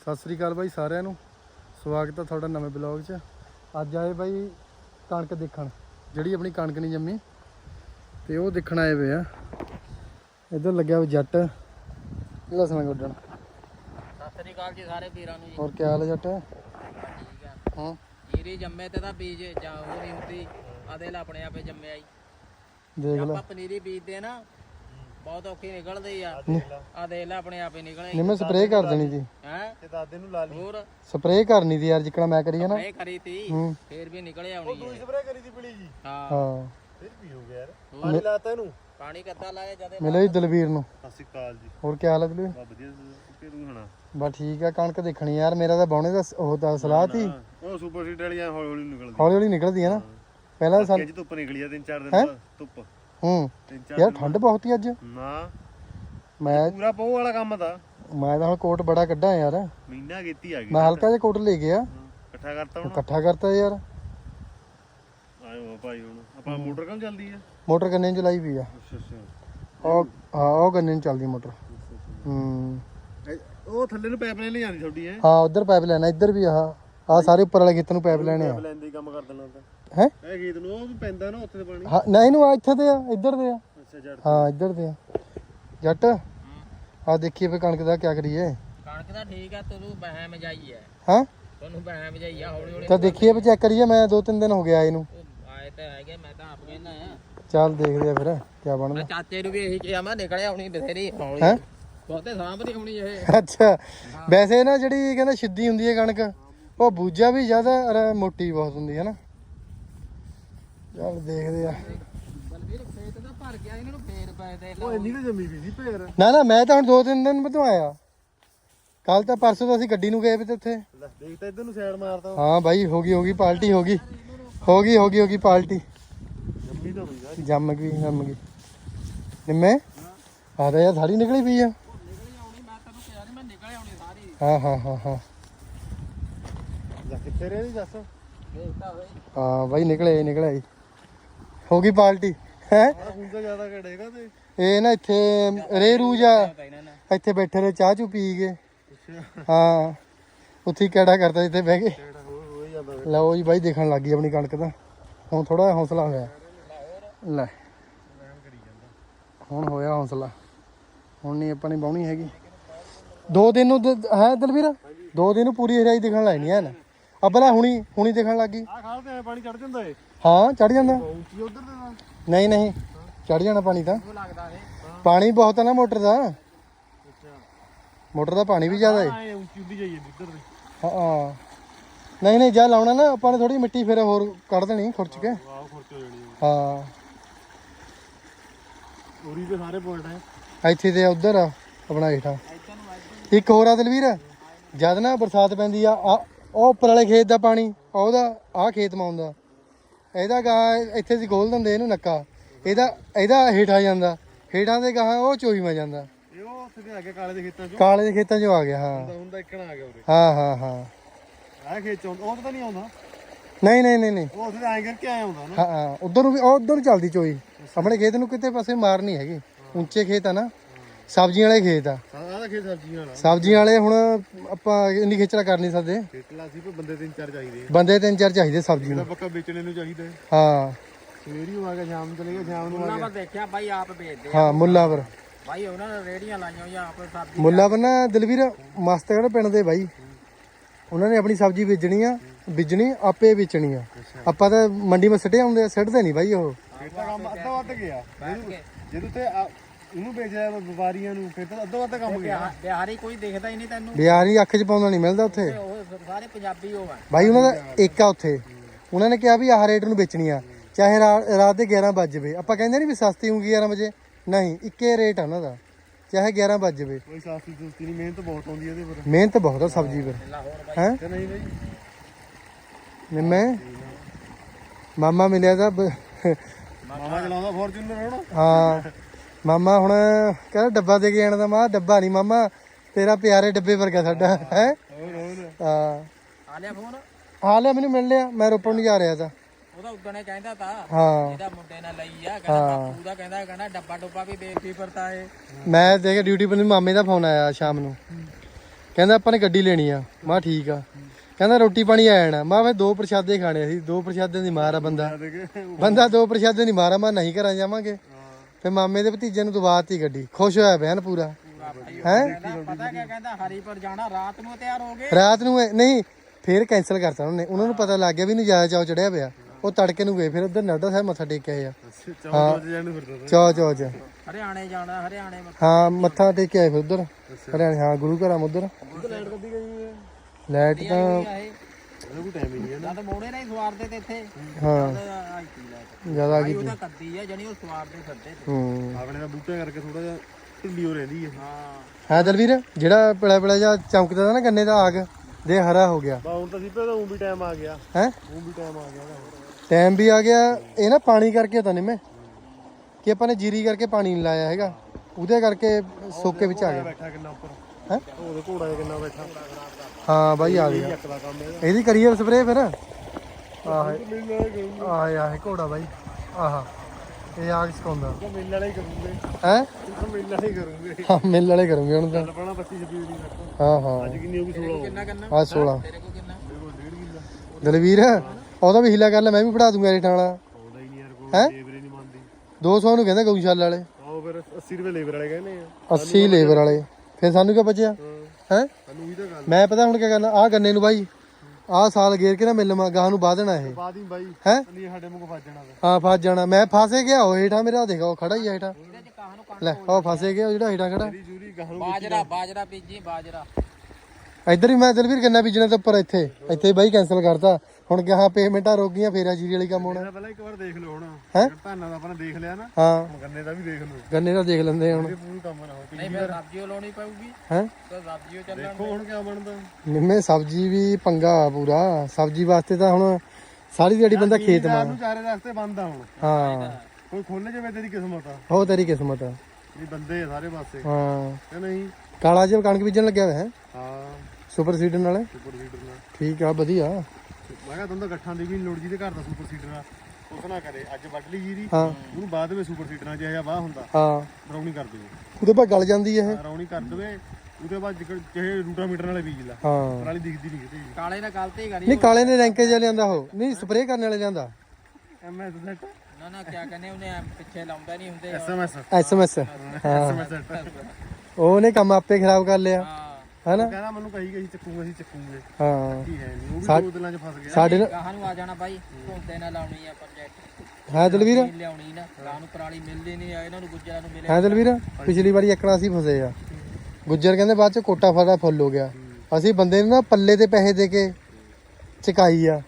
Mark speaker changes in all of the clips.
Speaker 1: ਸਤਿ ਸ੍ਰੀ ਅਕਾਲ ਬਾਈ ਸਾਰਿਆਂ ਨੂੰ। ਸਵਾਗਤ ਹੈ ਤੁਹਾਡਾ ਨਵੇਂ ਬਲੌਗ 'ਚ। ਅੱਜ ਆਏ ਬਾਈ ਕਣਕ ਦੇਖਣ, ਜਿਹੜੀ ਆਪਣੀ ਕਣਕ ਨਹੀਂ ਜੰਮੀ ਤੇ ਉਹ ਦੇਖਣ ਆਏ ਵੇ ਆ। ਇੱਧਰ ਲੱਗਿਆ ਹੋਇਆ ਜੱਟ ਲਸਣ ਗੁੱਡਣ।
Speaker 2: ਸਤਿ ਸ੍ਰੀ ਅਕਾਲ ਜੀ ਸਾਰੇ ਵੀਰਾਂ ਨੂੰ ਜੀ।
Speaker 1: ਹੋਰ ਕੀ ਹਾਲ ਹੈ ਜੱਟ?
Speaker 2: ਠੀਕ ਆ।
Speaker 1: ਹਾਂ
Speaker 2: ਜੀਰੀ ਜੰਮੇ ਤੇ ਤਾਂ ਬੀਜ ਜਾਂ ਉਹ ਨਹੀਂ ਹੁੰਦੀ, ਆਦੇ ਲਾ ਆਪਣੇ ਆਪੇ ਜੰਮਿਆ ਹੀ।
Speaker 1: ਦੇਖ ਲੈ,
Speaker 2: ਆਪਾਂ ਪਨੀਰੀ ਬੀਜਦੇ ਆ ਨਾ, ਬਹੁਤ ਔਖੀ ਨਿਕਲਦੀ ਆ। ਆ ਦੇਖ ਲੈ ਆਪਣੇ ਆਪੇ ਨਿਕਲੇ।
Speaker 1: ਨਿੰਮੇ ਸਪਰੇਅ ਕਰ ਦੇਣੀ ਸੀ।
Speaker 2: ਹੈ
Speaker 3: ਤੇ ਦਾਦੇ ਨੂੰ ਲਾ ਲਈ।
Speaker 2: ਹੋਰ
Speaker 1: ਸਪਰੇਅ ਕਰਨੀ ਸੀ ਯਾਰ, ਜਿੱਕਣਾ ਮੈਂ ਕਰੀ ਆ ਨਾ।
Speaker 2: ਇਹ ਕਰੀ ਤੀ
Speaker 1: ਹੂੰ।
Speaker 2: ਫੇਰ ਵੀ ਨਿਕਲੇ ਆਉਣੀ
Speaker 3: ਦੂਈ
Speaker 2: ਹੈ।
Speaker 3: ਸਪਰੇ ਕਰੀ ਦੀ ਪੀਲੀ ਜੀ।
Speaker 2: ਹਾਂ
Speaker 1: ਹਾਂ
Speaker 3: ਫਿਰ ਵੀ ਹੋ ਗਿਆ ਯਾਰ। ਪਾਣੀ ਲਾਤਾ ਇਹਨੂੰ।
Speaker 2: ਪਾਣੀ ਕੱਦਾ ਲਾਇਆ ਜਦੇ
Speaker 1: ਮਿਲੇ ਜੀ ਦਲਵੀਰ ਨੂੰ।
Speaker 3: ਸਤਿ ਸ਼੍ਰੀ ਅਕਾਲ ਜੀ।
Speaker 1: ਹੋਰ ਕੀ ਹਾਲ ਹੈ ਦਲਵੀਰ?
Speaker 3: ਬਾ ਵਧੀਆ ਕਿ ਤੂੰ ਹਣਾ।
Speaker 1: ਬਸ ਠੀਕ ਆ। ਕਣਕ ਦੇਖਣੀ ਯਾਰ, ਮੇਰਾ ਤਾਂ ਬਾਉਣੇ ਦਾ ਉਹ ਤਾਂ ਸਲਾਹ ਸੀ।
Speaker 3: ਉਹ ਸੁਪਰ ਸੀਟ ਵਾਲੀਆਂ ਹੌਲੀ ਹੌਲੀ ਨਿਕਲਦੀ।
Speaker 1: ਹੌਲੀ ਹੌਲੀ ਨਿਕਲਦੀ ਹੈ ਨਾ। ਪਹਿਲਾਂ
Speaker 3: ਅੱਜ ਧੁੱਪ ਨਿਕਲੀ ਆ 3-4 ਦਿਨ ਬਾਅਦ ਧੁੱਪ।
Speaker 1: ਹੂੰ
Speaker 3: 3-4
Speaker 1: ਯਾਰ ਠੰਡ ਬਹੁਤ ਹੀ ਅੱਜ।
Speaker 3: ਨਾ
Speaker 1: ਮੈਂ
Speaker 3: ਪੂਰਾ ਪੋਹ ਵਾਲਾ ਕੰਮ ਤਾਂ
Speaker 1: ਤਾਂ ਹੁਣ ਕੋਟ ਬੜਾ ਕੱਢਾਂ ਯਾਰ।
Speaker 3: ਮਹੀਨਾ ਕੀਤੀ ਆ ਗਈ।
Speaker 1: ਮੈਂ ਹਲਕਾ ਜਿਹਾ ਕੋਟ ਲੈ ਗਿਆ,
Speaker 3: ਇਕੱਠਾ ਕਰਤਾ ਹੁਣ।
Speaker 1: ਇਕੱਠਾ ਕਰਤਾ ਯਾਰ।
Speaker 3: ਆਇਓ ਭਾਈ ਹੁਣ ਆਪਾਂ ਮੋਟਰ ਕੰਮ ਚੱਲਦੀ ਆ।
Speaker 1: ਮੋਟਰ ਗੰਨੇ ਨੂੰ ਚਲਾਈ ਪਈ ਆ।
Speaker 3: ਅੱਛਾ ਅੱਛਾ।
Speaker 1: ਉਹ ਹਾਂ ਉਹ ਗੰਨੇ ਨੂੰ ਚੱਲਦੀ ਮੋਟਰ। ਹੂੰ
Speaker 3: ਉਹ ਥੱਲੇ ਨੂੰ ਪਾਈਪ ਲਾਈਨ ਜਾਂਦੀ ਤੁਹਾਡੀ ਹੈ।
Speaker 1: ਹਾਂ ਉਧਰ ਪਾਈਪ ਲੈਣਾ, ਇੱਧਰ ਵੀ ਆਹ ਸਾਰੇ ਉੱਪਰ ਵਾਲੇ ਖੇਤਾਂ ਨੂੰ ਪਾਈਪ ਲੈਣੇ ਆ।
Speaker 3: ਪਾਈਪ ਲਾਈਨ ਦੇ ਕੰਮ ਕਰ ਦੇਣਾ ਤਾਂ
Speaker 1: ਹੈ।
Speaker 3: ਇਹ ਖੇਤ ਨੂੰ ਉਹ ਵੀ ਪੈਂਦਾ ਨਾ ਉੱਥੇ ਤੇ ਪਾਣੀ।
Speaker 1: ਹਾਂ ਨਹੀਂ ਇਹਨੂੰ ਆ ਇੱਥੇ ਤੇ ਆ, ਇੱਧਰ ਦੇ ਆ।
Speaker 3: ਅੱਛਾ ਜੜ
Speaker 1: ਹਾਂ ਇੱਧਰ ਦੇ ਆ। ਜੱਟ ਆ ਦੇਖੀਏ ਫੇ ਕਣਕ ਦਾ ਕੀ ਕਰੀਏ।
Speaker 2: ਕਣਕ ਦਾ ਠੀਕ ਆ, ਤੈਨੂੰ ਬਹਿਮ ਜਾਈ ਹੈ।
Speaker 1: ਹਾਂ
Speaker 2: ਤੁਹਾਨੂੰ ਬਹਿਮ ਜਾਈ ਆ, ਹੌਲੀ ਹੌਲੀ
Speaker 1: ਤਾਂ ਦੇਖੀਏ ਵੀ ਚੈੱਕ ਕਰੀਏ। ਮੈਂ 2-3 ਦਿਨ ਹੋ ਗਿਆ ਇਹਨੂੰ।
Speaker 2: ਆਏ ਤਾਂ ਹੈਗੇ, ਮੈਂ ਤਾਂ ਆਪ ਕਹਿੰਦਾ ਆ।
Speaker 1: ਚੱਲ ਦੇਖਦੇ ਆ ਫਿਰ ਕੀ ਬਣਦਾ।
Speaker 2: ਮੈਂ ਚਾਚੇ ਨੂੰ ਵੀ ਇਹੀ ਕਿਹਾ, ਮੈਂ ਨਿਕਲਿਆ ਆਉਣੀ ਬਥੇਰੀ ਹੌਲੀ।
Speaker 1: ਹੈਂ?
Speaker 2: ਬਹੁਤੇ ਸਾਂਭ ਨਹੀਂ ਹੋਣੀ ਇਹ।
Speaker 1: ਅੱਛਾ ਵੈਸੇ ਨਾ ਜਿਹੜੀ ਕਹਿੰਦਾ ਸਿੱਧੀ ਹੁੰਦੀ ਹੈ ਕਣਕ, ਉਹ ਬੂਝਾ ਵੀ ਜ਼ਿਆਦਾ ਔਰ ਮੋਟੀ ਬਹੁਤ ਹੁੰਦੀ ਹੈ ਨਾ। ਚੱਲ ਦੇਖਦੇ ਆ।
Speaker 2: ਬਲਵੀਰ ਖੇਤ ਦਾ ਭਰ ਗਿਆ, ਇਹਨਾਂ ਨੂੰ ਫੇਰ ਪਏ ਦੇ
Speaker 3: ਉਹ ਇੰਨੀ ਤਾਂ ਜੰਮੀ ਵੀ ਸੀ ਭੇਰ।
Speaker 1: ਨਾ ਮੈਂ ਤਾਂ ਹੁਣ 2-3 ਦਿਨ ਬਾਅਦ ਆਇਆ। ਕੱਲ ਤਾਂ ਪਰਸੋਂ ਤਾਂ ਅਸੀਂ ਗੱਡੀ ਨੂੰ ਗਏ ਵੀ ਤੇ ਉੱਥੇ।
Speaker 3: ਲੈ ਦੇਖ ਤਾਂ ਇੱਧਰ ਨੂੰ ਸਾਈਡ ਮਾਰਦਾ।
Speaker 1: ਹਾਂ ਬਾਈ ਹੋ ਗਈ ਪਾਰਟੀ ਹੋ ਗਈ ਪਾਰਟੀ।
Speaker 3: ਜੰਮੀ ਤਾਂ ਹੋਈ ਆ।
Speaker 1: ਜੰਮ ਗਈ ਨਿੰਮੇ ਆ ਤਾਂ ਯਾਰ ਸਾਰੀ ਨਿਕਲੀ ਪਈ ਆ।
Speaker 2: ਨਿਕਲ ਆਉਣੀ, ਮੈਂ ਤੈਨੂੰ ਕਿਹਾ ਨਹੀਂ, ਮੈਂ ਨਿਕਲ ਆਉਣੀ ਸਾਰੀ।
Speaker 1: ਹਾਂ
Speaker 3: ਲੈ ਕਿੱਥੇ ਰਹਿ ਨਹੀਂ ਦੱਸ।
Speaker 2: ਦੇਖਦਾ ਹੋਏ
Speaker 1: ਹਾਂ ਬਾਈ ਨਿਕਲਿਆ ਜੀ। ਹੋ ਗਈ ਪਾਰਟੀ ਹੈ।
Speaker 3: ਆਹ ਹੁਣ ਤਾਂ ਜ਼ਿਆਦਾ ਘੜੇਗਾ ਤੇ।
Speaker 1: ਇਹ ਨਾ ਇੱਥੇ ਰੇ ਰੂਜ ਆ,
Speaker 2: ਤਾਂ ਇਹਨਾਂ ਨੇ
Speaker 1: ਇੱਥੇ ਬੈਠੇ ਰਹੇ ਚਾਹ ਚੂ ਪੀ ਕੇ।
Speaker 3: ਅੱਛਾ
Speaker 1: ਹਾਂ ਉੱਥੇ ਹੀ ਕਿਹੜਾ ਕਰਦਾ ਇੱਥੇ ਬਹਿ ਕੇ।
Speaker 3: ਕਿਹੜਾ ਹੋ ਜਾਂਦਾ।
Speaker 1: ਲਓ ਜੀ ਬਾਈ ਦੇਖਣ ਲੱਗ ਗਈ ਆਪਣੀ ਕਣਕ ਦਾ। ਹੁਣ ਥੋੜਾ ਹੌਸਲਾ ਹੋਇਆ। ਲੈ ਹੁਣ ਹੋਇਆ ਹੌਸਲਾ। ਹੁਣ ਨਹੀਂ ਆਪਾਂ ਨੇ ਬਾਉਣੀ ਹੈਗੀ। 2 ਦਿਨ ਨੂੰ ਹੈ ਦਲਵੀਰ, 2 ਦਿਨ ਨੂੰ ਪੂਰੀ ਹਰਿਆਈ ਦਿਖਣ ਲੱਗੀ ਹੈ ਨਾ। ਅਬਲਾ ਹੁਣੀ ਦਿਖਣ ਲੱਗ ਗਈ।
Speaker 3: ਆਹ ਖਾਲ ਤੇ ਪਾਣੀ ਚੜ ਜਾਂਦਾ ਏ।
Speaker 1: ਹਾਂ ਚੜ ਜਾਂਦਾ।
Speaker 3: ਉੱਚੀ ਉਧਰ ਦੇ ਨਾਲ।
Speaker 1: ਨਹੀਂ ਚੜ ਜਾਣਾ ਪਾਣੀ ਤਾਂ।
Speaker 2: ਉਹ ਲੱਗਦਾ ਇਹ
Speaker 1: ਪਾਣੀ ਬਹੁਤ ਆ ਨਾ ਮੋਟਰ ਦਾ।
Speaker 3: ਅੱਛਾ
Speaker 1: ਮੋਟਰ ਦਾ ਪਾਣੀ ਵੀ ਜ਼ਿਆਦਾ ਹੈ।
Speaker 3: ਐ ਉੱਚੀ ਉੱਡੀ ਜਾਈਏ ਇੱਧਰ ਦੇ।
Speaker 1: ਹਾਂ ਨਹੀਂ ਜਾ ਲਾਉਣਾ ਨਾ ਆਪਾਂ ਨੇ ਥੋੜੀ ਮਿੱਟੀ ਫਿਰ ਹੋਰ ਕੱਢ ਦੇਣੀ ਖੁਰਚ ਕੇ।
Speaker 3: ਆਹ ਖਰਚ ਹੋ ਜਾਣੀ।
Speaker 1: ਹਾਂ
Speaker 3: ਉਰੀ ਦੇ ਸਾਰੇ ਪੁਆਇੰਟ ਹੈ।
Speaker 1: ਇੱਥੇ ਤੇ ਉਧਰ ਆ ਆਪਣਾ ਹੇਠਾਂ। ਇੱਕ ਹੋਰ ਆ ਦਲਵੀਰ, ਜਦ ਨਾ ਬਰਸਾਤ ਪੈਂਦੀ ਆ ਉਹ ਉੱਪਰ ਵਾਲੇ ਖੇਤ ਦਾ ਪਾਣੀ ਉਹਦਾ ਆਹ ਖੇਤ ਮਾ ਆਉਂਦਾ। ਇਹਦਾ ਗਾਂ ਇੱਥੇ ਅਸੀਂ ਖੋਲ ਦਿੰਦੇ ਇਹਨੂੰ ਨੱਕਾ, ਇਹਦਾ ਹੇਠਾਂ ਜਾਂਦਾ। ਹੇਠਾਂ ਦੇ ਗਾਂ ਉਹ ਚੋਈ ਮਾ ਜਾਂਦਾ।
Speaker 3: ਇਹ ਉਹ ਉੱਥੇ ਦੇ ਅੱਗੇ ਕਾਲੇ ਦੇ ਖੇਤਾਂ ਚੋਂ।
Speaker 1: ਕਾਲੇ ਦੇ ਖੇਤਾਂ 'ਚੋਂ ਆ ਗਿਆ। ਹਾਂ
Speaker 3: ਹੁਣ ਤਾਂ ਇੱਕਣ ਆ ਗਿਆ ਉਰੇ।
Speaker 1: ਹਾਂ
Speaker 3: ਆਹ ਖੇਤ ਚੋਂ ਉਹ ਤਾਂ ਨਹੀਂ ਆਉਂਦਾ।
Speaker 1: ਨਹੀਂ
Speaker 3: ਉਹ ਉੱਥੇ ਐਂ ਕਰਕੇ ਆਇਆ ਹੁੰਦਾ ਨਾ।
Speaker 1: ਹਾਂ ਉਧਰ ਨੂੰ ਵੀ ਉਧਰ ਨੂੰ ਚੱਲਦੀ ਚੋਈ। ਆਪਣੇ ਖੇਤ ਨੂੰ ਕਿਤੇ ਪਾਸੇ ਮਾਰਨੀ ਹੈਗੀ। ਉੱਚੇ ਖੇਤ ਆ ਨਾ, ਸਬਜ਼ੀਆਂ ਵਾਲੇ ਖੇਤ ਆ।
Speaker 3: ਆਹ ਖੇਤ ਸਬਜ਼ੀਆਂ ਵਾਲਾ।
Speaker 1: ਸਬਜ਼ੀਆਂ ਵਾਲੇ ਹੁਣ ਆਪਾਂ ਇੰਨੀ ਖੇਚਲਾ ਕਰ ਨਹੀਂ ਸਕਦੇ।
Speaker 3: ਖੇਤਲਾ ਸੀ ਪਰ ਬੰਦੇ 3-4 ਚਾਹੀਦੇ ਆ।
Speaker 1: ਬੰਦੇ 3-4 ਚਾਹੀਦੇ ਸਬਜ਼ੀ
Speaker 3: ਇਹਦਾ
Speaker 1: ਨੂੰ।
Speaker 3: ਪੱਕਾ ਵੇਚਣੇ ਨੂੰ ਚਾਹੀਦਾ ਹੈ।
Speaker 1: ਹਾਂ
Speaker 3: ਸਵੇਰੀ ਨੂੰ ਆ ਗਿਆ, ਸ਼ਾਮ ਨੂੰ ਚਲੇ ਗਿਆ, ਸ਼ਾਮ ਨੂੰ ਆ
Speaker 2: ਉਹਨਾਂ
Speaker 3: ਗਿਆ।
Speaker 2: ਪਰ ਦੇਖਿਆ ਬਾਈ ਆਪ ਵੇਚਦੇ ਆ
Speaker 1: ਹਾਂ ਮੁੱਲਾਂਪੁਰ।
Speaker 2: ਬਾਈ, ਉਹਨਾਂ ਨੇ ਰੇੜੀਆਂ ਲਾਈਆਂ ਹੋਈਆਂ ਆਪ ਸਬਜ਼ੀ।
Speaker 1: ਮੁੱਲਾਂਪੁਰ ਨਾ ਦਲਵੀਰ ਮਸਤਗੜ ਪਿੰਡ ਦੇ ਬਾਈ, ਉਹਨਾਂ ਨੇ ਆਪਣੀ ਸਬਜ਼ੀ ਬੀਜਣੀ ਆਪੇ ਵੇਚਣੀ ਆ। ਆਪਾਂ ਤਾਂ ਮੰਡੀ ਮੇ ਸਿੱਟੇ ਆਉਂਦੇ ਆ, ਸਿੱਟਦੇ ਨਹੀਂ ਬਾਈ ਉਹ।
Speaker 3: ਫਿਰ ਤਾਂ ਕੰਮ ਅੱਧਾ ਵੱਧ ਗਿਆ।
Speaker 2: ਬੈਠ ਕੇ
Speaker 3: ਜਦੋਂ ਤੇ ਇਹਨੂੰ ਵੇਚਿਆ ਵਪਾਰੀਆਂ ਨੂੰ, ਫਿਰ ਤਾਂ ਅੱਧਾ ਵੱਧ ਕੰਮ ਗਿਆ।
Speaker 2: ਬਿਹਾਰੀ ਕੋਈ ਦਿਖਦਾ ਹੀ ਨਹੀਂ ਤੈਨੂੰ।
Speaker 1: ਬਿਹਾਰੀ ਅੱਖ 'ਚ ਪਾਉਂਦਾ ਨਹੀਂ ਮਿਲਦਾ ਉੱਥੇ
Speaker 2: ਉਹ ਸਾਰੇ ਪੰਜਾਬੀ ਉਹ ਆ।
Speaker 1: ਬਾਈ। ਉਹਨਾਂ ਦਾ ਏਕਾ ਉੱਥੇ। ਉਹਨਾਂ ਨੇ ਕਿਹਾ ਵੀ ਆਹ ਰੇਟ ਨੂੰ ਵੇਚਣੀ ਆ, ਚਾਹੇ ਰਾਤ ਦੇ 11 ਵੱਜ ਜਾਵੇ। ਆਪਾਂ ਕਹਿੰਦੇ ਨਹੀਂ ਵੀ ਸਸਤੀ ਹੋਊਗੀ 11 ਵਜੇ, ਨਹੀਂ ਇੱਕੇ ਰੇਟ ਆ ਉਹਨਾਂ ਦਾ, ਚਾਹੇ 11 ਵੱਜ ਜਾਵੇ।
Speaker 3: ਕੋਈ ਸਾਸਤੀ ਸੁਸਤੀ ਨਹੀਂ, ਮਿਹਨਤ ਬਹੁਤ ਆਉਂਦੀ ਇਹਦੇ ਪਰ।
Speaker 1: ਮਿਹਨਤ ਬਹੁਤ ਆ ਸਬਜ਼ੀ ਪਰ।
Speaker 2: ਲਾਹੌਰ ਬਾਈ
Speaker 1: ਹੈ
Speaker 3: ਕਿ ਨਹੀਂ ਬਈ?
Speaker 1: ਨਿੰਮੇ ਮਾਮਾ ਮਿਲਿਆ ਤਾਂ
Speaker 3: ਮਾਮਾ ਚਲਾਉਂਦਾ ਫੋਰਚੂਨਰ ਹੁਣ।
Speaker 1: ਹਾਂ ਮਾਮਾ ਹੁਣ ਕਹਿੰਦਾ ਡੱਬਾ ਦੇ ਕੇ ਜਾਣਾ ਤਾਂ। ਮਾਂ ਡੱਬਾ ਨਹੀਂ ਮਾਮਾ, ਤੇਰਾ ਪਿਆਰੇ ਡੱਬੇ ਵਰਗਾ ਸਾਡਾ ਹੈ।
Speaker 3: ਹੋਰ
Speaker 1: ਹਾਂ
Speaker 2: ਆ ਲਿਆ ਫੋਨ।
Speaker 1: ਆ ਲਿਆ, ਮੈਨੂੰ ਮਿਲ ਲਿਆ। ਮੈਂ ਰੋਪੜ ਨੂੰ ਜਾ ਰਿਹਾ ਤਾਂ।
Speaker 2: ਉਹਦਾ ਉਦਣੇ ਕਹਿੰਦਾ ਤਾ
Speaker 1: ਹਾਂ
Speaker 2: ਇਹਦਾ ਮੁੰਡੇ ਨਾਲ ਲਈ ਆ, ਕਹਿੰਦਾ ਬਾਪੂ ਦਾ ਕਹਿੰਦਾ ਡੱਬਾ ਡੁੱਬਾ ਵੀ ਦੇਤੀ ਪਰਤਾ ਏ।
Speaker 1: ਮੈਂ ਦੇਖ ਡਿਊਟੀ ਪਰ ਮਾਮੇ ਦਾ ਫੋਨ ਆਇਆ ਸ਼ਾਮ ਨੂੰ, ਕਹਿੰਦਾ ਆਪਾਂ ਨੇ ਗੱਡੀ ਲੈਣੀ ਆ। ਮੈਂ ਠੀਕ ਆ। ਕਹਿੰਦਾ ਰੋਟੀ ਪਾਣੀ ਆ ਜਾਣਾ। ਮੈਂ ਫਿਰ 2 ਪ੍ਰਸ਼ਾਦੇ ਖਾਣੇ ਸੀ। 2 ਪ੍ਰਸ਼ਾਦਿਆਂ ਦੀ ਮਾਰ ਆ ਬੰਦਾ 2 ਪ੍ਰਸ਼ਾਦੇ ਦੀ ਮਾਰ ਆ। ਮੈਂ ਨਹੀਂ ਘਰਾਂ ਜਾਵਾਂਗੇ। ਫਿਰ ਮਾਮੇ ਦੇ ਭਤੀਜੇ ਨੂੰ ਦਵਾਤੀ ਗੱਡੀ। ਖੁਸ਼ ਹੋਇਆ ਪਿਆ ਨਾ ਪੂਰਾ ਹੈ।
Speaker 2: ਪਤਾ ਕਿਆ ਕਹਿੰਦਾ ਹਰੀਪੁਰ ਜਾਣਾ ਰਾਤ ਨੂੰ ਤਿਆਰ ਹੋ ਗਏ।
Speaker 1: ਰਾਤ ਨੂੰ ਨਹੀਂ ਫੇਰ ਕੈਂਸਲ ਕਰਤਾ ਉਹਨਾਂ ਨੂੰ ਪਤਾ ਲੱਗ ਗਿਆ ਵੀ ਇਹਨੂੰ ਜ਼ਿਆਦਾ ਚਾਅ ਚੜਿਆ ਪਿਆ। ਉਹ ਤੜਕੇ ਨੂੰ ਗਏ ਫਿਰ ਉਧਰ ਨਾਡਾ ਸਾਹਿਬ ਮੱਥਾ ਟੇਕ ਕੇ ਆਏ ਆ। ਚੌ ਚ
Speaker 2: ਹਰਿਆਣੇ ਜਾਣਾ ਹਰਿਆਣੇ
Speaker 1: ਹਾਂ ਮੱਥਾ ਟੇਕ ਕੇ ਆਏ ਫਿਰ ਉਧਰ ਹਰਿਆਣੇ। ਹਾਂ ਗੁਰੂ ਘਰਾਂ ਉਧਰ ਲਾਈਟ ਤਾਂ
Speaker 3: ਕੋਈ ਟਾਈਮ ਹੀ ਨਹੀਂ ਹੈ
Speaker 2: ਜਦ ਮੋੜੇ ਨਹੀਂ ਸਵਾਰਦੇ ਤੇ ਇੱਥੇ
Speaker 1: ਹਾਂ ਜ਼ਿਆਦਾ ਆ ਗਈ
Speaker 2: ਉਹਦਾ ਕੱਦੀ ਆ ਜਣੀ ਉਹ ਸਵਾਰਦੇ ਫਿਰਦੇ
Speaker 3: ਆਪਣੇ ਦਾ ਬੂਟੇ ਕਰਕੇ ਥੋੜਾ ਜਿਹਾ ਢਿੱਲੀ ਹੋ ਰਹਿੰਦੀ ਹੈ।
Speaker 1: ਹਾਂ ਦਲਵੀਰ ਜਿਹੜਾ ਪਿਲਾ ਜਿਹਾ ਚਮਕਦਾ ਤਾ ਨਾ ਗੰਨੇ ਦਾ ਆਗ ਦੇ ਹਰਾ ਹੋ ਗਿਆ।
Speaker 3: ਹੁਣ ਤਾਂ ਸੀ ਪਹਿਲਾਂ ਵੀ ਟਾਈਮ ਆ ਗਿਆ
Speaker 1: ਹੈ
Speaker 3: ਵੀ ਟਾਈਮ ਆ ਗਿਆ
Speaker 1: ਟਾਈਮ ਵੀ ਆ ਗਿਆ। ਇਹ ਨਾ ਪਾਣੀ ਕਰਕੇ ਤਾਂ ਨਿੰਮੇ ਕਿ ਆਪਾਂ ਨੇ ਜੀਰੀ ਕਰਕੇ ਪਾਣੀ ਨਹੀਂ ਲਾਇਆ ਹੈਗਾ ਉਹਦੇ ਕਰਕੇ ਸੋਕੇ ਵਿੱਚ ਆ ਗਿਆ।
Speaker 3: ਬੈਠਾ ਕਿੰਨਾ ਉੱਪਰ
Speaker 1: ਹੈ
Speaker 3: ਉਹਦੇ ਘੋੜਾ ਕਿੰਨਾ ਬੈਠਾ।
Speaker 1: ਹਾਂ ਬਾਈ ਆ ਗਿਆ।
Speaker 3: ਚੱਕ ਦਾ ਕੰਮ
Speaker 1: ਇਹਦੀ ਕਰੀਏ ਸਪਰੇ ਫਿਰ ਆਹ
Speaker 3: ਮਿਲ
Speaker 1: ਆਹ ਘੋੜਾ ਬਾਈ ਆਹ ਇਹ ਆਗ ਸਕਾਉਂਦਾ
Speaker 3: ਵਾਲੇ ਹੀ ਕਰੂੰਗੇ
Speaker 1: ਹੈ।
Speaker 3: ਮਿਲ ਵਾਲੇ ਹੀ ਕਰੂੰਗੇ।
Speaker 1: ਹਾਂ ਮਿਲ ਵਾਲੇ ਕਰੂੰਗੇ ਹੁਣ ਤਾਂ।
Speaker 3: ਚੱਲ ਪਣਾ 25 26 ਦੀ ਤੱਕ
Speaker 1: ਹਾਂ ਹਾਂ
Speaker 3: ਅੱਜ ਕਿੰਨੀ ਹੋ ਗਈ 16
Speaker 2: ਕਿੰਨਾ ਕਰਨਾ
Speaker 1: ਆ 16
Speaker 2: ਤੇਰੇ ਕੋ ਕਿੰਨਾ
Speaker 3: ਮੇਰੇ ਕੋਲ 1.5 ਕਿੱਲਾ
Speaker 1: ਦਲਵੀਰ ਉਹਦਾ ਵੀ ਹੀਲਾ ਕਰ ਲੈ। ਮੈਂ ਵੀ ਫੜਾ ਦੂੰਗਾ ਰੇਟਾਂ ਵਾਲਾ।
Speaker 3: ਆਉਂਦਾ ਹੀ ਨਹੀਂ ਯਾਰ ਕੋਈ
Speaker 1: ਹੈਂ?
Speaker 3: ਲੇਬਰ ਹੀ ਨਹੀਂ ਮੰਨਦੀ।
Speaker 1: 200 ਨੂੰ ਕਹਿੰਦੇ ਗਊਸ਼ਾਲਾ ਵਾਲੇ
Speaker 3: ਆਓ ਫਿਰ 80 ਰੁਪਏ ਲੇਬਰ ਵਾਲੇ ਕਹਿੰਦੇ ਆ।
Speaker 1: 80 ਲੇਬਰ ਵਾਲੇ ਫਿਰ ਸਾਨੂੰ ਕੀ ਬਚਿਆ ਹੈ।
Speaker 3: ਸਾਨੂੰ ਵੀ ਤਾਂ ਗੱਲ
Speaker 1: ਮੈਂ ਪਤਾ ਹੁਣ ਕੀ ਕਰਨਾ। ਆਹ ਗੰਨੇ ਨੂੰ ਬਾਈ ਆਹ ਸਾਲ ਗੇਰ ਕੇ ਨਾ ਮਿਲਵਾਂ ਗਾਹ ਨੂੰ ਬਾਹ ਦੇਣਾ ਇਹ
Speaker 3: ਬਾਦ ਹੀ ਬਾਈ
Speaker 1: ਹੈ।
Speaker 3: ਨਹੀਂ ਸਾਡੇ ਮੂੰਹ ਫਸ ਜਾਣਾ ਵਾ।
Speaker 1: ਹਾਂ ਫਸ ਜਾਣਾ। ਮੈਂ ਫਸੇ ਗਿਆ ਉਹ ਹੇਠਾਂ ਮੇਰਾ ਦੇਖਾ ਉਹ ਖੜਾ ਹੀ ਆ ਹੇਠਾਂ।
Speaker 2: ਇਹਦੇ ਚ ਕਾਹ ਨੂੰ
Speaker 1: ਲੈ ਉਹ ਫਸੇ ਗਿਆ ਉਹ ਜਿਹੜਾ ਹੇਠਾਂ ਖੜਾ।
Speaker 3: ਜੂਰੀ ਜੂਰੀ ਗਾਹ ਨੂੰ
Speaker 2: ਬਾਜਰਾ ਬੀਜੀ ਬਾਜਰਾ
Speaker 1: ਇੱਧਰ ਹੀ ਮੈਂ ਦਲਵੀਰ ਗੰਨਾ ਬੀਜਣਾ ਤੇ ਉੱਪਰ ਇੱਥੇ ਬਾਈ ਕੈਂਸਲ ਕਰਤਾ। ਹੁਣ ਗਾਹਾਂ ਪੇਮੈਂਟਾਂ ਰੁਕ ਗਈਆਂ ਫੇਰ ਆ ਜੀਰੀ ਵਾਲੀ ਕੰਮ ਹੋਣਾ।
Speaker 3: ਪਹਿਲਾਂ ਇੱਕ ਵਾਰ ਦੇਖ ਲਓ ਹੁਣ
Speaker 1: ਹੈਂ?
Speaker 3: ਧਾਨਾਂ ਦਾ ਆਪਾਂ ਨੇ ਦੇਖ ਲਿਆ ਨਾ
Speaker 1: ਹਾਂ
Speaker 3: ਹੁਣ ਗੰਨੇ ਦਾ ਵੀ ਦੇਖ ਲਓ।
Speaker 1: ਗੰਨੇ ਦਾ ਦੇਖ ਲੈਂਦੇ ਆ ਹੁਣ
Speaker 3: ਇਹ ਪੂਰੀ ਕੰਮ ਨਾ ਹੋ
Speaker 2: ਨਹੀਂ ਫਿਰ ਸਬਜ਼ੀ ਲਾਉਣੀ ਪਊਗੀ
Speaker 1: ਹੈ।
Speaker 2: ਤਾਂ ਸਬਜ਼ੀ ਚੱਲਣ
Speaker 3: ਦੇਖੋ ਹੁਣ ਕੀ ਬਣਦਾ।
Speaker 1: ਨਿੰਮੇ ਸਬਜ਼ੀ ਵੀ ਪੰਗਾ ਪੂਰਾ। ਸਬਜ਼ੀ ਵਾਸਤੇ ਤਾਂ ਹੁਣ ਸਾਰੀ ਦਿਹਾੜੀ ਬੰਦਾ ਖੇਤ ਮਾਰ।
Speaker 3: ਨੂੰ ਚਾਰੇ ਰਸਤੇ ਬੰਦ ਆ ਹੁਣ।
Speaker 1: ਹਾਂ
Speaker 3: ਕੋਈ ਖੋਲੇ ਜਿਵੇਂ ਤੇਰੀ ਕਿਸਮਤ ਆ।
Speaker 1: ਉਹ ਤੇਰੀ ਕਿਸਮਤ ਆ।
Speaker 3: ਇਹ ਬੰਦੇ ਆ ਸਾਰੇ ਪਾਸੇ
Speaker 1: ਹਾਂ
Speaker 3: ਕਿ ਨਹੀਂ।
Speaker 1: ਕਾਲਾ ਜਿਹਾ ਕਣਕ ਬੀਜਣ ਲੱਗਿਆ ਹੋਇਆ ਹੈ
Speaker 3: ਹਾਂ
Speaker 1: ਸੁਪਰ ਸੀਡਰ ਨਾਲੇ।
Speaker 3: ਸੁਪਰ ਸੀਡਰ ਨਾਲ
Speaker 1: ਠੀਕ ਆ ਵਧੀਆ।
Speaker 3: ਮੈਂ ਕਿਹਾ ਤੁਹਾਨੂੰ ਤਾਂ ਗੱਠਾਂ ਦੀ ਵੀ ਨੀ ਲੋੜ ਜਿਹਦੇ ਘਰ ਦਾ ਸੁਪਰ ਸੀਡਰ ਆ ਉਸ ਨਾ ਕਰੇ। ਅੱਜ ਵੱਢ ਲਈ ਜੀਰੀ
Speaker 1: ਹਾਂ
Speaker 3: ਉਹਨੂੰ ਬਾਅਦ ਵਿੱਚ ਸੁਪਰ ਸੀਡਰਾਂ ਜਿਹਾ ਵਾਹ ਹੁੰਦਾ
Speaker 1: ਹਾਂ
Speaker 3: ਰੌਣੀ ਕਰ ਦੇਵੇ।
Speaker 1: ਉਹਦੇ ਬਾਅਦ ਗਲ ਜਾਂਦੀ ਹੈ ਇਹ।
Speaker 3: ਰੌਣੀ ਕਰ ਦੇਵੇ ਉਹਦੇ ਬਾਅਦ ਚਾਹੇ ਰੂਟਾ ਮੀਟਰ ਨਾਲੇ ਬੀਜ ਲਾ
Speaker 1: ਹਾਂ
Speaker 3: ਪਰਾਲੀ ਦਿਖਦੀ ਨਹੀਂ ਕਿਤੇ।
Speaker 2: ਕਾਲੇ ਨਾਲ ਗਲਤੀ ਕਰੀ
Speaker 1: ਨਹੀਂ ਕਾਲੇ ਨੇ ਰੈਂਕੇ ਜਿਹਾ ਲਿਆਂਦਾ ਉਹ ਨਹੀਂ ਸਪਰੇਅ ਕਰਨ ਵਾਲੇ ਲਿਆਂਦਾ।
Speaker 3: ਐਮਐਸ ਸੈਟ
Speaker 2: ਨਾ ਕਿਆ ਕਹਿੰਦੇ ਉਹਨੇ ਪਿੱਛੇ ਲਾਉਂਦਾ ਨਹੀਂ ਹੁੰਦੇ
Speaker 3: ਐਸਐਮਐਸ
Speaker 1: ਐਸਐਮਐਸ ਹਾਂ
Speaker 3: ਐਸਐਮਐਸ ਸੈਟ
Speaker 1: ਉਹਨੇ ਕੰਮ ਆਪੇ ਖਰਾਬ ਕਰ ਲਿਆ
Speaker 2: ਹਾਂ
Speaker 1: ਹੈਨਾ।
Speaker 3: ਕਹਿੰਦਾ ਮੈਨੂੰ ਕਹੀ ਗਈ ਚੱਕੂਗੇ ਅਸੀਂ ਚੱਕੂਗੇ
Speaker 1: ਹਾਂ
Speaker 3: ਕੀ ਹੈ ਨਹੀਂ ਉਹ ਵੀ ਦੋ ਦਿਨਾਂ 'ਚ ਫਸ ਗਿਆ।
Speaker 1: ਸਾਡੇ ਨਾਲ
Speaker 2: ਗਾਹਾਂ ਨੂੰ ਆ ਜਾਣਾ ਬਾਈ ਧੁੰਦੇ ਨਾਲ ਲਾਉਣੀ ਆ ਪ੍ਰੋਜੈਕਟ
Speaker 1: ਹੈ ਦਲਵੀਰ
Speaker 2: ਲਿਆਉਣੀ ਨਾ ਗਾਹ ਨੂੰ ਪਰਾਲੀ ਮਿਲਦੀ ਨਹੀਂ ਆ ਇਹਨਾਂ ਨੂੰ ਗੁੱਜਰਾਂ ਨੂੰ ਮਿਲੇ।
Speaker 1: ਹੈ ਦਲਵੀਰ ਪਿਛਲੀ ਵਾਰੀ ਇੱਕਣਾ ਅਸੀਂ ਫਸੇ ਆ। ਗੁੱਜਰ ਕਹਿੰਦੇ ਬਾਅਦ ਚ ਕੋਟਾ ਫਾਦਾ ਫੁੱਲ ਹੋ ਗਿਆ। ਅਸੀਂ ਬੰਦੇ ਨੂੰ ਨਾ ਪੱਲੇ ਤੇ ਪੈਸੇ ਦੇ ਕੇ ਚਕਾਈ ਆ।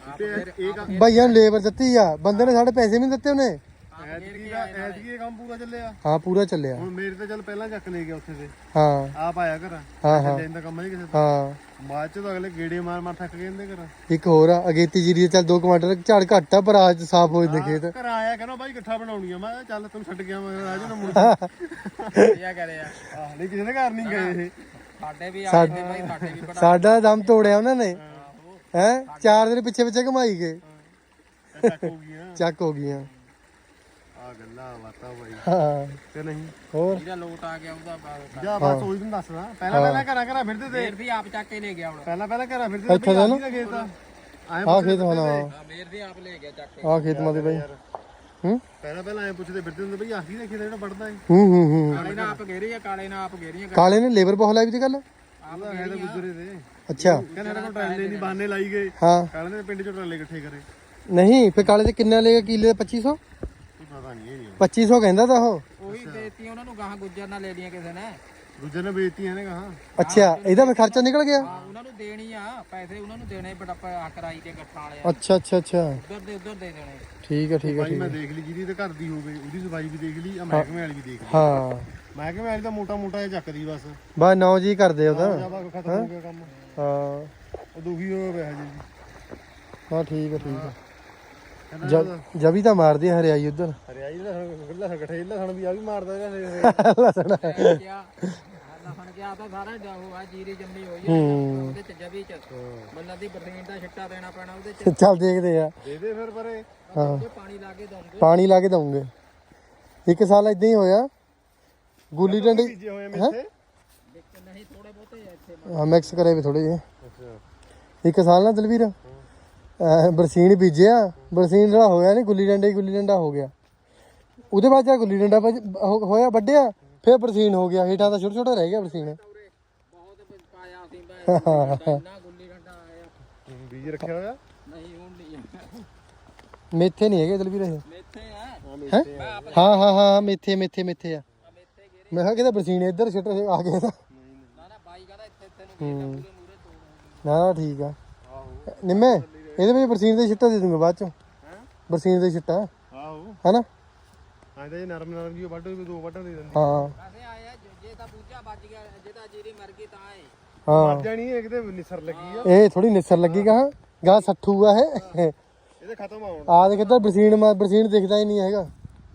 Speaker 3: ਇਹ
Speaker 1: ਭਾਈਆਂ ਨੂੰ ਲੇਬਰ ਦਿੱਤੀ ਆ ਬੰਦੇ ਨੇ ਸਾਡੇ ਪੈਸੇ ਵੀ ਨਹੀਂ ਦਿੱਤੇ ਉਹਨੇ।
Speaker 3: ਐਤਕੀ ਇਹ ਕੰਮ ਪੂਰਾ ਚੱਲਿਆ।
Speaker 1: ਹਾਂ ਪੂਰਾ ਚੱਲਿਆ।
Speaker 3: ਹੁਣ ਮੇਰੇ ਤੇ ਚੱਲ ਪਹਿਲਾਂ ਚੱਕ ਲੈ ਗਿਆ ਉੱਥੇ ਤੇ
Speaker 1: ਹਾਂ
Speaker 3: ਆਪ ਆਇਆ ਘਰ
Speaker 1: ਹਾਂ ਹਾਂ
Speaker 3: ਲੈਣ ਦਾ ਕੰਮ ਨਹੀਂ ਕਿਸੇ ਦਾ।
Speaker 1: ਹਾਂ
Speaker 3: ਬਾਅਦ ਚ ਤਾਂ ਅਗਲੇ ਗੇੜੇ ਮਾਰ ਥੱਕ ਗਏ ਇਹਦੇ ਘਰ।
Speaker 1: ਇੱਕ ਹੋਰ ਆ ਅਗੇਤੀ ਜੀਰੀ ਦੇ ਚੱਲ 2 ਕੁਆਂਟਲ ਝਾੜ ਘੱਟ ਆ ਪਰ ਅੱਜ ਸਾਫ਼ ਹੋ ਜਾਂਦੇ ਖੇਤ।
Speaker 3: ਘਰ ਆਇਆ ਕਹਿੰਦਾ ਬਾਈ ਇਕੱਠਾ ਬਣਾਉਣੀ ਆ। ਮੈਂ ਕਿਹਾ ਚੱਲ ਤੈਨੂੰ ਛੱਡ ਗਿਆ ਮੈਂ ਰਾਜੂ ਨੂੰ ਮੁੜ
Speaker 2: ਕੀ ਕਰਿਆ
Speaker 3: ਆਹ ਨਹੀਂ ਕਿਸੇ ਦੇ ਘਰ ਨਹੀਂ ਗਏ ਇਹ।
Speaker 2: ਸਾਡੇ ਵੀ ਆਏ ਤੇ ਬਾਈ ਸਾਡੇ ਵੀ ਬੜਾ
Speaker 1: ਸਾਡਾ ਦਮ ਤੋੜਿਆ ਉਹਨਾਂ ਨੇ ਹੈ 4 ਦਿਨ ਪਿੱਛੇ ਪਿੱਛੇ ਘਮਾਈ ਗਏ
Speaker 3: ਚੱਕ ਹੋ ਗਈਆਂ
Speaker 1: ਚੱਕ ਹੋ ਗਈਆਂ।
Speaker 3: ਆ ਗੱਲਾਂ ਬਾਤਾਂ ਬਾਈ
Speaker 1: ਹਾਂ
Speaker 3: ਕਿ ਨਹੀਂ।
Speaker 1: ਹੋਰ
Speaker 2: ਜਿਹੜਾ ਲੋਟ ਆ ਗਿਆ ਉਹਦਾ ਬਾਅਦ
Speaker 3: ਜਾ ਬਸ ਉਹੀ ਤੁਹਾਨੂੰ ਦੱਸਦਾ। ਪਹਿਲਾਂ ਘਰਾਂ ਫਿਰਦੇ ਤੇ
Speaker 2: ਫੇਰ ਵੀ ਆਪ ਚੱਕ ਕੇ ਲੈ ਗਿਆ ਹੁਣ
Speaker 3: ਪਹਿਲਾਂ ਘਰਾਂ ਫਿਰਦੇ ਤੇ
Speaker 1: ਇੱਥੇ ਦਾ ਨਾ
Speaker 3: ਖੇਤ ਆ
Speaker 1: ਆਹ ਖੇਤ ਹੋਣਾ
Speaker 2: ਮੇਰ ਵੀ ਆਪ ਲੈ ਗਿਆ ਚੱਕ ਕੇ।
Speaker 1: ਆਹ ਖੇਤ ਮਾਦੇ ਬਾਈ ਹੂੰ
Speaker 3: ਪਹਿਲਾਂ ਐ ਪੁੱਛਦੇ ਫਿਰਦੇ ਹੁੰਦੇ ਬਈ ਆਹ ਕੀ ਦੇਖੀ ਜਿਹੜਾ ਵੱਢਦਾ ਹੈ।
Speaker 1: ਹੂੰ
Speaker 2: ਕਾਲੇ ਨਾਲ ਆਪ ਗੇਰੀ ਆ ਕਾਲੇ ਨਾਲ ਆਪ ਗੇਰੀਆਂ
Speaker 1: ਕਾਲੇ ਨੇ ਲੇਬਰ ਬਹੁਤ ਲਾਈ ਵੀ ਤੇ ਗੱਲ।
Speaker 2: ਆਪ
Speaker 3: ਹੈ ਤਾਂ ਗੁਜਰੇ ਤੇ
Speaker 1: ਅੱਛਾ
Speaker 3: ਕਹਿੰਦੇ ਸਾਡੇ ਕੋਲ ਟਰਾਲੇ ਨਹੀਂ ਬਹਾਨੇ ਲਾਈ ਗਏ।
Speaker 1: ਹਾਂ
Speaker 3: ਕਾਲੇ ਨੇ ਪਿੰਡ ਚੋਂ ਟਰਾਲੇ ਇਕੱਠੇ ਕਰੇ।
Speaker 1: ਨਹੀਂ ਫਿਰ ਕਾਲੇ ਤੇ ਕਿੰਨਾ ਲੇਗਾ ਕਿੱਲੇ 2500
Speaker 3: ਕੋਈ ਪਤਾ ਨਹੀਂ ਇਹ ਨਹੀਂ
Speaker 1: 2500 ਕਹਿੰਦਾ ਤਾਂ ਉਹ।
Speaker 2: ਉਹੀ ਦੇਤੀ ਉਹਨਾਂ ਨੂੰ ਗਾਹਾਂ ਗੁੱਜਰ ਨਾਲ ਲੈ ਲੀਆਂ ਕਿਸੇ ਨੇ।
Speaker 3: ਦੂਜੇ ਨੇ ਵੇਚਤੀਆਂ ਨੇ ਕਹਾ।
Speaker 1: ਅੱਛਾ ਇਹਦਾ ਫਿਰ ਖਰਚਾ ਨਿਕਲ ਗਿਆ।
Speaker 2: ਹਾਂ ਉਹਨਾਂ ਨੂੰ ਦੇਣੀ ਆ ਪੈਸੇ ਉਹਨਾਂ ਨੂੰ ਦੇਣੇ ਬਟ ਹੱਕ ਰਾਈ ਤੇ ਇਕੱਠਾ ਵਾਲੇ
Speaker 1: ਅੱਛਾ ਅੱਛਾ ਅੱਛਾ
Speaker 2: ਉਧਰ ਦੇ ਦੇਣੇ।
Speaker 1: ਠੀਕ ਹੈ ਠੀਕ ਹੈ
Speaker 3: ਭਾਈ
Speaker 1: ਠੀਕ
Speaker 3: ਮੈਂ
Speaker 1: ਹੈ
Speaker 3: ਦੇਖ ਲਈ ਜਿਹਦੀ ਤੇ ਘਰ ਦੀ ਹੋਵੇ ਉਹਦੀ ਸਫਾਈ ਵੀ ਦੇਖ ਲਈ ਆ ਮਹਿਕਮੇ ਵਾਲੀ ਵੀ ਦੇਖ ਲਈ।
Speaker 1: ਹਾਂ
Speaker 3: ਮਹਿਕਮੇ ਵਾਲੀ ਤਾਂ ਮੋਟਾ ਜਿਹਾ ਚੱਕਦੀ ਬਸ।
Speaker 1: ਬਸ 9 ਜੀ ਕਰਦੇ ਉਹਦਾ।
Speaker 3: ਜਾਵਾ ਖਤਮ ਹੋ ਗਿਆ ਕੰਮ।
Speaker 1: ਹਾਂ
Speaker 3: ਉਹ ਦੁਖੀ ਹੋਇਆ ਪਿਆ ਜੀ।
Speaker 1: ਹਾਂ ਠੀਕ ਹੈ ਠੀਕ ਹੈ ਜਬੀ ਤਾਂ ਮਾਰਦੀ ਆ ਹਰਿਆਈ ਉਧਰ।
Speaker 3: ਹਰਿਆਈ ਦਾ ਗੱਲਾਂ ਇਕੱਠੇ ਲਸਣ ਵੀ ਆ ਵੀ ਮਾਰਦਾ ਰਿਹਾ।
Speaker 1: ਲਸਣ
Speaker 2: ਕਿਆ ਲਸਣ ਕਿਆ ਤਾਂ ਸਾਰਾ ਉਹ ਆ ਜੀਰੀ ਜੰਮੀ ਹੋਈ ਆ ਉਹਦੇ ਚ ਜਵੀ ਚ ਬੰਦਾ ਦੀ ਬਰਸੀਨ ਦਾ ਛਿੱਟਾ ਦੇਣਾ ਪੈਣਾ ਉਹਦੇ ਚ।
Speaker 1: ਚੱਲ ਦੇਖਦੇ ਆ।
Speaker 3: ਦੇ ਦੇ ਫਿਰ ਪਰੇ
Speaker 1: ਹਾਂ
Speaker 2: ਪਾਣੀ ਲਾ ਕੇ ਦਊਂਗੇ।
Speaker 1: ਪਾਣੀ ਲਾ ਕੇ ਦਊਂਗੇ। ਇੱਕ ਸਾਲ ਇਦਾਂ ਹੀ ਹੋਇਆ ਗੁੱਲੀ ਡੰਡੀ
Speaker 3: ਬੀਜੇ ਹੋਏ ਮਿੱਥੇ
Speaker 2: ਨਹੀਂ ਥੋੜੇ ਬਹੁਤ ਤੇ ਇੱਥੇ
Speaker 1: ਹਾਂ ਮਿਕਸ ਕਰੇ ਵੀ ਥੋੜੇ ਜਿਹੇ।
Speaker 3: ਅੱਛਾ
Speaker 1: ਇੱਕ ਸਾਲ ਨਾ ਦਲਵੀਰ ਬਰਸੀਨ ਬੀਜਿਆ, ਬਰਸੀਨ ਜਿਹੜਾ ਹੋਇਆ ਨਹੀਂ ਗੁੱਲੀ ਡੰਡਾ ਹੋ ਗਿਆ। ਉਹਦੇ ਬਾਅਦ ਜਾ ਗੁੱਲੀ ਡੰਡਾ ਹੋਇਆ ਵੱਡਿਆ, ਫਿਰ ਬਰਸੀਨ ਹੋ ਗਿਆ, ਹੇਠਾਂ ਤਾਂ ਛੋਟਾ ਛੋਟਾ ਰਹਿ ਗਿਆ ਬਰਸੀਨ।
Speaker 2: ਬਹੁਤ ਪਾਇਆ ਸੀ ਮੈਂ ਇੰਨਾ ਗੁੱਲੀ ਡੰਡਾ ਆਇਆ।
Speaker 3: ਬੀਜ ਰੱਖਿਆ ਹੋਇਆ
Speaker 2: ਨਹੀਂ ਹੁਣ ਨਹੀਂ ਹੈ।
Speaker 1: ਮੇਥੇ ਨਹੀਂ ਹੈਗੇ ਦਲਵੀਰ ਇਹ।
Speaker 2: ਮੇਥੇ ਆ
Speaker 1: ਹੈਂ?
Speaker 2: ਮੈਂ ਆਪ
Speaker 1: ਹਾਂ ਮੇਥੇ ਆ।
Speaker 2: ਮੇਥੇ ਗੇਰੇ
Speaker 1: ਮੈਂ ਕਿਹਾ ਕਿਤੇ ਬਰਸੀਨ ਇੱਧਰ ਛਿੱਟ ਆ ਗਏ ਤਾਂ।
Speaker 2: ਨਾ ਨਾ ਬਾਈ ਕਹਿੰਦਾ ਇੱਥੇ ਨੂੰ ਗੇਰ ਮੂਰੇ ਤੋਂ
Speaker 1: ਨਾ ਠੀਕ ਆ ਨਿੰਮੇ, ਇਹਦੇ ਵਿੱਚ ਬਰਸੀਨ ਦੇ ਛਿੱਟਾ ਦੇ ਦੂੰਗਾ ਬਾਅਦ ਚੋਂ। ਬਰਸੀਨ ਦੇ ਛਿੱਟਾ
Speaker 3: ਆਹੋ
Speaker 1: ਹੈਨਾ।
Speaker 3: ਆਂਦਾ ਜੇ ਨਰਮ ਜੀ ਵੱਢ ਦੋ ਵੱਢਾਂ ਦੇ ਦਿੰਦੇ
Speaker 1: ਹਾਂ
Speaker 2: ਵੈਸੇ ਆਇਆ ਜੇ ਤਾਂ ਬੂਝਾ ਵੱਜ ਗਿਆ, ਜੇ ਤਾਂ ਜੀਰੀ ਮਰ ਗਈ ਤਾਂ ਏ
Speaker 1: ਹਾਂ
Speaker 3: ਮਰ ਜਾਣੀ ਹੈ ਕਿਤੇ ਨਿਸਰ ਲੱਗੀ ਆ
Speaker 1: ਇਹ ਥੋੜੀ ਨਿਸਰ ਲੱਗੀ ਗਾਂ ਸੱਠੂ ਆ ਇਹ।
Speaker 3: ਇਹਦੇ ਖਤਮ ਆਉਣ
Speaker 1: ਆ ਦੇਖ ਇੱਧਰ ਬਰਸੀਨ ਦਿਖਦਾ ਹੀ ਨਹੀਂ ਹੈਗਾ।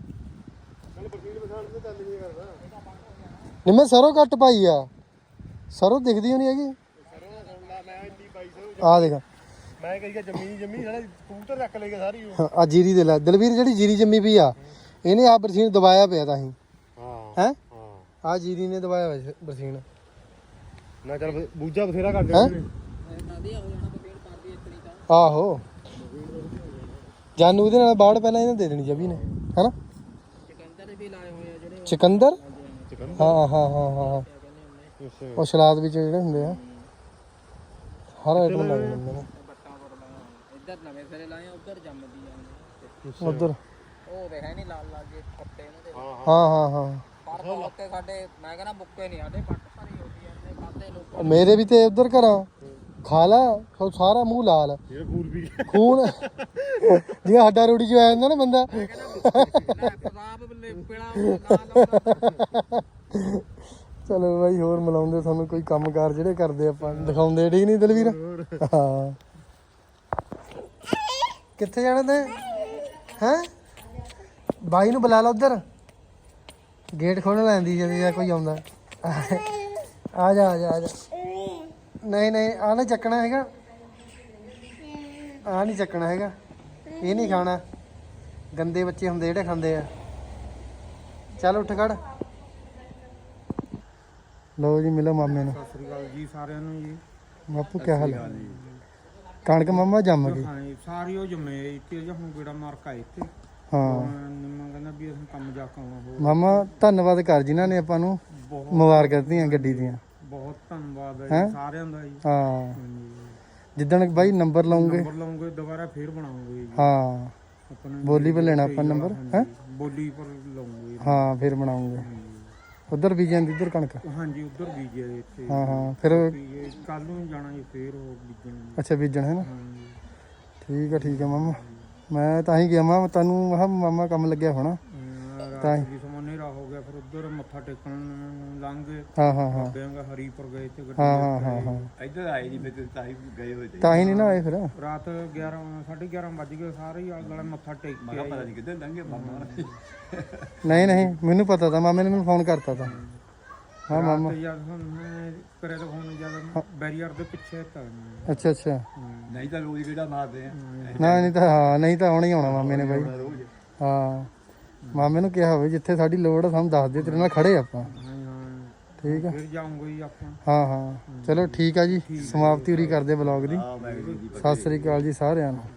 Speaker 3: ਚੱਲ ਬਰਸੀਨ ਪਛਾਣ ਤੇ ਚੱਲ ਨਹੀਂ ਕਰਦਾ
Speaker 1: ਨਿੰਮੇ ਸਰੋਂ ਘੱਟ ਪਾਈ ਆ, ਸਰੋਂ ਦਿਖਦੀ ਹੋਣੀ ਹੈਗੀ।
Speaker 3: ਸਰੋਂ ਸੁਣ ਲਾ ਮੈਂ ਇੰਨੀ 2200
Speaker 1: ਆ ਦੇਖ
Speaker 3: ਮੈਂ ਕਹੀ ਜੰਮੀ ਸਾਡਾ ਕਬੂਤਰ ਰੱਖ ਲੇਗਾ ਸਾਰੀ ਉਹ।
Speaker 1: ਆ ਜੀਰੀ ਦੇ ਲੈ ਦਲਵੀਰ, ਜਿਹੜੀ ਜੀਰੀ ਜੰਮੀ ਪਈ ਆ ਇਹਨੇ ਆ ਬਰਸੀਨ ਦਬਾਇਆ ਪਿਆ ਤਾਂ ਹੀ
Speaker 3: ਹਾਂ
Speaker 1: ਹੈ।
Speaker 3: ਹਾਂ
Speaker 1: ਆ ਜੀਰੀ ਨੇ ਦਬਾਇਆ ਹੋਇਆ ਬਰਸੀਨ।
Speaker 3: ਨਾ ਚੱਲ ਬੂਝਾ ਬਥੇਰਾ ਕਰ
Speaker 1: ਹੈਂ?
Speaker 3: ਦਿੰਦੇ
Speaker 2: ਵਧੀਆ ਹੋ ਜਾਣਾ ਬਕੇੜ ਕਰਦੀ ਇਤਨੀ ਤਾਂ
Speaker 1: ਆਹੋ ਜਾਨੂ ਇਹਦੇ ਨਾਲ ਬਾੜ ਪਹਿਲਾਂ ਇਹਨੇ ਦੇ ਦੇਣੀ ਜਬੀ ਨੇ ਹੈਨਾ।
Speaker 2: ਚਿਕੰਦਰ ਵੀ ਲਾਏ ਹੋਏ ਆ ਜਿਹੜੇ
Speaker 1: ਚਿਕੰਦਰ
Speaker 3: ਚਿਕਨ
Speaker 1: ਹਾਂ
Speaker 3: ਅੱਛਾ
Speaker 1: ਉਹ ਸਲਾਦ ਵਿੱਚ ਜਿਹੜੇ ਹੁੰਦੇ ਆ ਹਰ ਆਈਟਮ ਲੱਗ ਜਾਂਦੇ ਨੇ
Speaker 2: ਬੱਟਾ ਪਰ ਲਾਇਆ ਇੱਧਰ ਨਵੇਂ ਸਿਰੇ ਲਾਏ, ਉੱਧਰ ਜੰਮਦੀ ਜਾਂਦੇ
Speaker 1: ਉਧਰ।
Speaker 2: ਉਹ ਵੇਖਿਆ ਨਹੀਂ ਲਾਲ ਲਾਲ ਜੇ ਪੱਤੇ ਇਹਨਾਂ ਦੇ
Speaker 1: ਹਾਂ
Speaker 2: ਪਰ ਬਹੁਤ ਸਾਡੇ ਮੈਂ ਕਹਿੰਦਾ ਮੁੱਕੇ ਨਹੀਂ ਸਾਡੇ ਪੱਟ ਭਰੀ ਹੋਈ ਜਾਂਦੇ ਖਾਦੇ ਲੋਕ।
Speaker 1: ਮੇਰੇ ਵੀ ਤੇ ਉਧਰ ਘਰਾਂ ਖਾ ਲਾ ਸਾਰਾ ਮੂੰਹ ਲਾਲ
Speaker 3: ਇਹ ਫੂਲ ਵੀ
Speaker 1: ਖੂਨ ਜਿਵੇਂ ਹੱਡਾ ਰੋੜੀ ਚ ਆ ਜਾਂਦਾ ਨਾ ਬੰਦਾ।
Speaker 2: ਪ੍ਰਤਾਪ ਪੇੜਾ ਲਾਲ
Speaker 1: ਚਲੋ ਬਾਈ ਹੋਰ ਮਿਲਾਉਂਦੇ ਤੁਹਾਨੂੰ ਕੋਈ ਕੰਮਕਾਰ ਜਿਹੜੇ ਕਰਦੇ ਆਪਾਂ ਦਿਖਾਉਂਦੇ, ਠੀਕ ਨਹੀਂ ਦਲਵੀਰ। ਹਾਂ ਕਿੱਥੇ ਜਾਣਾ ਤੇ ਹੈਂ? ਬਾਈ ਨੂੰ ਬੁਲਾ ਲਾ ਉਧਰ, ਗੇਟ ਖੋਲ੍ਹ ਲੈਂਦੀ ਜਦੋਂ ਕੋਈ ਆਉਂਦਾ। ਆ ਜਾ ਨਹੀਂ ਆ ਨਾ ਚੱਕਣਾ ਹੈਗਾ, ਆ ਨਹੀਂ ਚੱਕਣਾ ਹੈਗਾ, ਇਹ ਨਹੀਂ ਖਾਣਾ। ਗੰਦੇ ਬੱਚੇ ਹੁੰਦੇ ਜਿਹੜੇ ਖਾਂਦੇ ਆ। ਚੱਲ ਉੱਠ ਖੜ। ਲਓ ਜੀ ਮਿਲੋ ਮਾਮੇ ਨੂੰ।
Speaker 2: ਸਤਿ ਸ੍ਰੀ ਅਕਾਲ ਜੀ ਸਾਰਿਆਂ ਨੂੰ ਜੀ।
Speaker 1: ਬਾਪੂ ਕੀ ਹਾਲ ਹੈ? ਕਣਕ ਮਾਮਾ ਜੰਮ ਗਈ।
Speaker 2: ਹਾਂ ਸਾਰੀ ਉਹ ਜੰਮੇ ਇੱਥੇ ਜਾਂ ਹੁਣ ਕਿਹੜਾ ਮਾਰਕਾ ਇੱਥੇ।
Speaker 1: ਹਾਂ
Speaker 2: ਨਿੰਮਾ ਕਹਿੰਦਾ ਵੀ ਅਸੀਂ ਕੰਮ ਜਾ ਕੇ ਆਉਣਾ ਹੋਰ।
Speaker 1: ਮਾਮਾ ਧੰਨਵਾਦ ਕਰ ਜਿਨ੍ਹਾਂ ਨੇ ਆਪਾਂ ਨੂੰ
Speaker 2: ਬਹੁਤ
Speaker 1: ਮੁਬਾਰਕਾਂ ਦਿੱਤੀਆਂ ਗੱਡੀ ਦੀਆਂ।
Speaker 2: ਬਹੁਤ ਧੰਨਵਾਦ ਹੈ
Speaker 1: ਹੈਂ?
Speaker 2: ਜੀ ਸਾਰਿਆਂ ਦਾ ਜੀ।
Speaker 1: ਹਾਂ
Speaker 2: ਹਾਂਜੀ
Speaker 1: ਜਿੱਦਣ ਬਾਈ ਨੰਬਰ ਲਾਉਂਗੇ
Speaker 2: ਨੰਬਰ ਲਾਉਂਗੇ ਦੁਬਾਰਾ ਫੇਰ ਬਣਾਉਂਗੇ ਜੀ।
Speaker 1: ਹਾਂ
Speaker 2: ਆਪਣਾ
Speaker 1: ਬੋਲੀ ਪਰ ਲੈਣਾ ਆਪਾਂ ਨੰਬਰ ਹੈ।
Speaker 2: ਬੋਲੀ ਪਰ ਲਾਉਂਗੇ।
Speaker 1: ਹਾਂ ਫਿਰ ਬਣਾਉਂਗੇ। ਉਧਰ ਵੀ ਜਾਂਦੀ ਇੱਧਰ ਕਣਕ।
Speaker 2: ਹਾਂਜੀ ਉੱਧਰ ਬੀਜਿਆ ਇੱਥੇ।
Speaker 1: ਹਾਂ ਫਿਰ
Speaker 2: ਕੱਲ ਨੂੰ ਜਾਣਾ ਜੀ ਫੇਰ ਉਹ ਬੀਜਣ।
Speaker 1: ਅੱਛਾ ਬੀਜਣ ਹੈ ਨਾ।
Speaker 2: ਹਾਂਜੀ
Speaker 1: ਠੀਕ ਹੈ ਮਾਮਾ। ਮੈਂ ਤਾਂ ਹੀ ਗਿਆ ਮਾਮਾ ਤੈਨੂੰ, ਮੈਂ ਕਿਹਾ ਮਾਮਾ ਕੰਮ ਲੱਗਿਆ ਹੋਣਾ ਤਾਂ ਹੀ।
Speaker 2: ਜੀ ਸਮਾਂ ਹਨੇਰਾ ਹੋ ਗਿਆ ਫਿਰ ਉੱਧਰ ਮੱਥਾ ਟੇਕਣ ਲੰਘੇ।
Speaker 1: ਹਾਂ
Speaker 2: ਬਾਬਿਆਂ ਹਰੀਪੁਰ ਗਏ ਤੇ ਗੱਡੀ
Speaker 1: ਹਾਂ
Speaker 4: ਇੱਧਰ ਆਏ ਨਹੀਂ ਫਿਰ ਤਾਂ ਹੀ ਗਏ ਹੋਏ ਤੇ
Speaker 1: ਤਾਂ ਹੀ ਨਹੀਂ ਨਾ ਆਏ ਫਿਰ।
Speaker 2: ਰਾਤ 11 11:30 ਵੱਜ ਗਏ ਸਾਰੇ ਹੀ ਆਲੇ ਦੁਆਲੇ ਮੱਥਾ ਟੇਕ
Speaker 4: ਮੈਂ
Speaker 2: ਕੇ
Speaker 4: ਕਿਹਾ ਪਤਾ ਨਹੀਂ ਕਿੱਧਰ ਲੰਘੇ ਮਾਮਾ
Speaker 1: ਨਹੀਂ ਮੈਨੂੰ ਪਤਾ ਤਾਂ ਮਾਮੇ ਨੇ ਮੈਨੂੰ ਫੋਨ ਕਰਤਾ ਤਾਂ। ਹਾਂ ਮਾਮਾ
Speaker 2: ਤੇ ਜਦ ਹੁਣ ਮੈਂ ਕਰਿਆ ਤਾਂ ਫੋਨ ਜਦ ਬੈਰੀਅਰ ਦੇ ਪਿੱਛੇ ਤਾਂ
Speaker 1: ਅੱਛਾ
Speaker 4: ਨਹੀਂ ਤਾਂ ਰੋਜ਼ ਕਿਹੜਾ ਮਾਰਦੇ ਆ
Speaker 1: ਨਹੀਂ ਤਾਂ ਆਉਣਾ ਹੀ ਆਉਣਾ ਮਾਮੇ ਨੇ ਬਾਈ।
Speaker 4: ਰੋਜ਼
Speaker 1: ਹਾਂ ਮਾਮੇ ਨੂੰ ਕਿਹਾ ਹੋਵੇ ਜਿੱਥੇ ਸਾਡੀ ਲੋੜ ਆ ਸਾਨੂੰ ਦੱਸ ਦੇ, ਤੇਰੇ ਨਾਲ ਖੜੇ ਆਪਾਂ। ਠੀਕ ਆ
Speaker 2: ਫਿਰ ਜਾਊਂਗਾ ਜੀ ਆਪਾਂ।
Speaker 1: ਹਾਂ ਚਲੋ ਠੀਕ ਆ ਜੀ, ਸਮਾਪਤੀ ਉਰੀ ਕਰਦੇ ਬਲੌਗ ਦੀ।
Speaker 4: ਆ ਮੈਂ
Speaker 1: ਸਤਿ ਸ੍ਰੀ ਅਕਾਲ ਜੀ ਸਾਰਿਆਂ ਨੂੰ।